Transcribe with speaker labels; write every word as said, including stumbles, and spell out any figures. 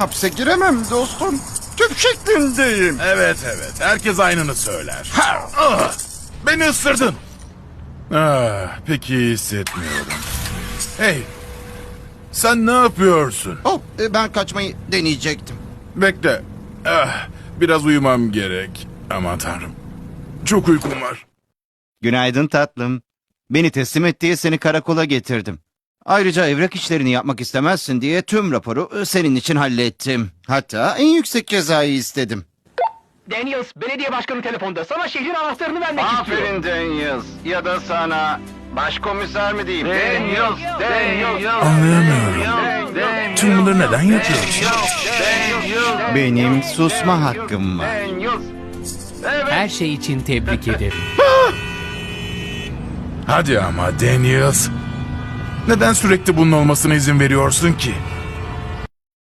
Speaker 1: Hapse giremem dostum. Tüp şeklindeyim.
Speaker 2: Evet evet, herkes aynını söyler. Ha, ah, beni ısırdın. Ah, pek iyi hissetmiyorum. Hey, sen ne yapıyorsun?
Speaker 1: Oh, e, ben kaçmayı deneyecektim.
Speaker 2: Bekle. Ah, biraz uyumam gerek. Aman tanrım. Çok uykum var.
Speaker 3: Günaydın tatlım. Beni teslim et diye seni karakola getirdim. Ayrıca evrak işlerini yapmak istemezsin diye tüm raporu e, senin için hallettim. Hatta en yüksek cezayı istedim.
Speaker 4: Daniels, belediye başkanı telefonda. Sana şehrin anahtarını vermek istiyor.
Speaker 3: Aferin Daniels. Ya da sana başkomiser mi diyeyim?
Speaker 4: Daniels, Daniels.
Speaker 2: Anlayamıyorum. Tüm bunları neden yapıyorsun?
Speaker 3: Benim susma hakkım var.
Speaker 5: Her şey için tebrik ederim.
Speaker 2: Hadi ama Daniels. Neden sürekli bunun olmasına izin veriyorsun ki?